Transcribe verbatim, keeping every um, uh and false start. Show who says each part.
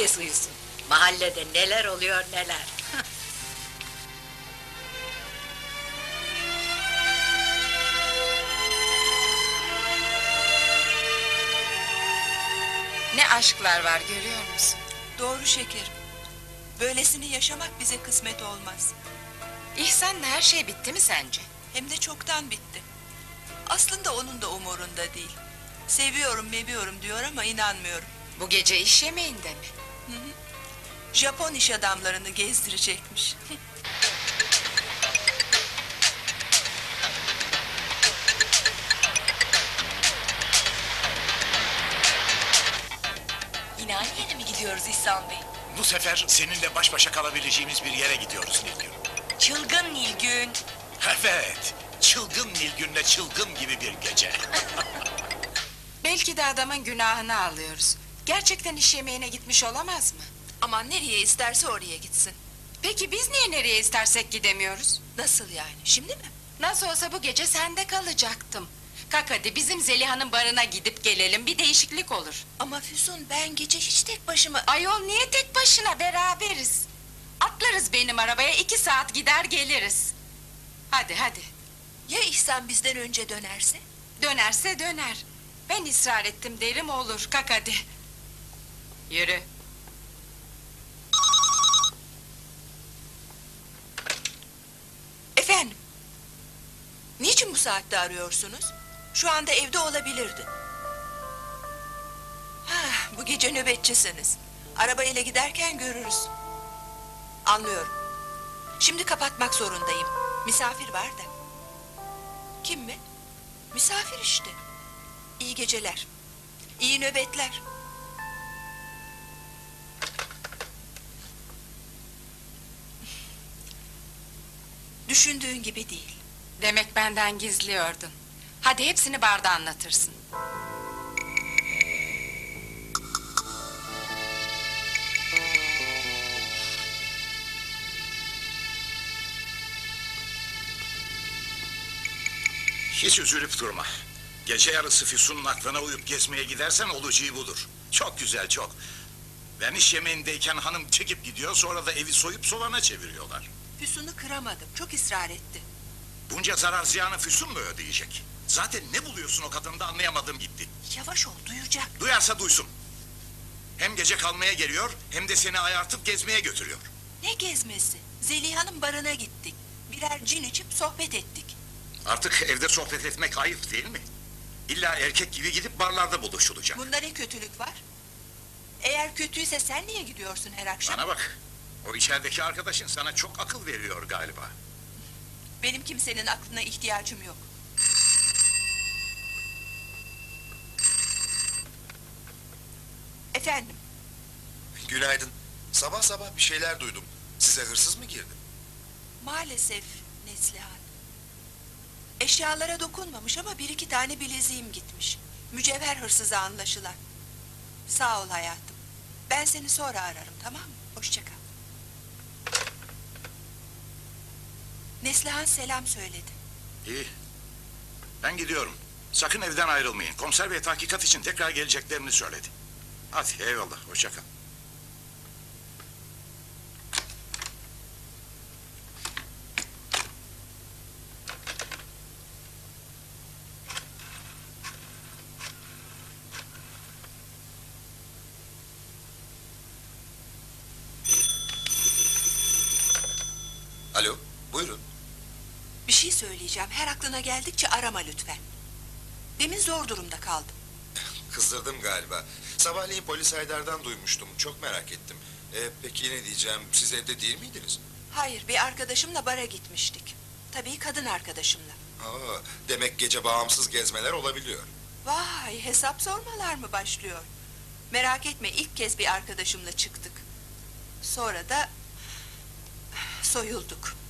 Speaker 1: herkes uyusun. Mahallede neler oluyor neler.
Speaker 2: Ne aşklar var görüyor musun?
Speaker 3: Doğru şekerim. Böylesini yaşamak bize kısmet olmaz.
Speaker 2: İhsan'la her şey bitti mi sence?
Speaker 3: Hem de çoktan bitti. Aslında onun da umurunda değil. Seviyorum meviyorum diyor ama inanmıyorum.
Speaker 2: Bu gece iş yemeğinde mi?
Speaker 3: Japon iş adamlarını gezdirecekmiş.
Speaker 4: Yine aynı yere mi gidiyoruz İhsan Bey?
Speaker 5: Bu sefer seninle baş başa kalabileceğimiz bir yere gidiyoruz Nilgün.
Speaker 4: Çılgın Nilgün.
Speaker 5: Evet, çılgın Nilgün'le çılgın gibi bir gece.
Speaker 2: Belki de adamın günahını alıyoruz. Gerçekten iş yemeğine gitmiş olamaz mı?
Speaker 3: Aman nereye isterse oraya gitsin.
Speaker 2: Peki biz niye nereye istersek gidemiyoruz?
Speaker 3: Nasıl yani? Şimdi mi?
Speaker 2: Nasıl olsa bu gece sende kalacaktım. Kalk hadi bizim Zeliha'nın barına gidip gelelim, bir değişiklik olur.
Speaker 3: Ama Füsun ben gece hiç tek başıma...
Speaker 2: Ayol niye tek başına, beraberiz. Atlarız benim arabaya, iki saat gider geliriz. Hadi hadi.
Speaker 3: Ya İhsan bizden önce dönerse?
Speaker 2: Dönerse döner. Ben ısrar ettim derim olur, kalk hadi. Yürü.
Speaker 3: Efendim? Niçin bu saatte arıyorsunuz? Şu anda evde olabilirdi. Ha, bu gece nöbetçisiniz. Arabayla giderken görürüz. Anlıyorum. Şimdi kapatmak zorundayım. Misafir var da. Kim mi? Misafir işte. İyi geceler. İyi nöbetler. Düşündüğün gibi değil.
Speaker 2: Demek benden gizliyordun. Hadi hepsini barda anlatırsın.
Speaker 5: Hiç üzülüp durma. Gece yarısı Füsun'un aklına uyup gezmeye gidersen olacağı budur. Çok güzel, çok. Ben iş yemeğindeyken hanım çekip gidiyor, sonra da evi soyup solana çeviriyorlar.
Speaker 3: Füsun'u kıramadım. Çok ısrar etti.
Speaker 5: Bunca zarar ziyanı Füsun mu ödeyecek? Zaten ne buluyorsun o kadında anlayamadım gitti.
Speaker 3: Yavaş ol, duyacak.
Speaker 5: Duyarsa duysun. Hem gece kalmaya geliyor, hem de seni ayartıp gezmeye götürüyor.
Speaker 3: Ne gezmesi? Zeliha'nın barına gittik. Birer cin içip sohbet ettik.
Speaker 5: Artık evde sohbet etmek ayıp değil mi? İlla erkek gibi gidip barlarda buluşulacak.
Speaker 3: Bunda ne kötülük var? Eğer kötüyse sen niye gidiyorsun her akşam?
Speaker 5: Bana bak, o içerideki arkadaşın sana çok akıl veriyor galiba.
Speaker 3: Benim kimsenin aklına ihtiyacım yok. Efendim,
Speaker 6: Günaydın. Sabah sabah bir şeyler duydum. Size hırsız mı girdi?
Speaker 3: maalesef Neslihan. Eşyalara dokunmamış ama bir iki tane bileziğim gitmiş. Mücevher hırsızı anlaşılan. Sağ ol hayatım. Ben seni sonra ararım, tamam mı? Hoşça kal. Neslihan selam söyledi.
Speaker 5: İyi. Ben gidiyorum. Sakın evden ayrılmayın. Komiser bey tahkikat için tekrar geleceklerini söyledi. Hadi eyvallah, hoşça kal.
Speaker 6: Alo, buyurun.
Speaker 3: Bir şey söyleyeceğim. Her aklına geldikçe arama lütfen. Demin zor durumda kaldım.
Speaker 6: Kızdırdım galiba. Sabahleyin polis Haydar'dan duymuştum. Çok merak ettim. E, peki ne diyeceğim? Siz evde değil miydiniz?
Speaker 3: Hayır, bir arkadaşımla bara gitmiştik. Tabii kadın arkadaşımla.
Speaker 6: Aa, demek gece bağımsız gezmeler olabiliyor.
Speaker 3: Vay, hesap sormalar mı başlıyor? Merak etme, ilk kez bir arkadaşımla çıktık. Sonra da soyulduk.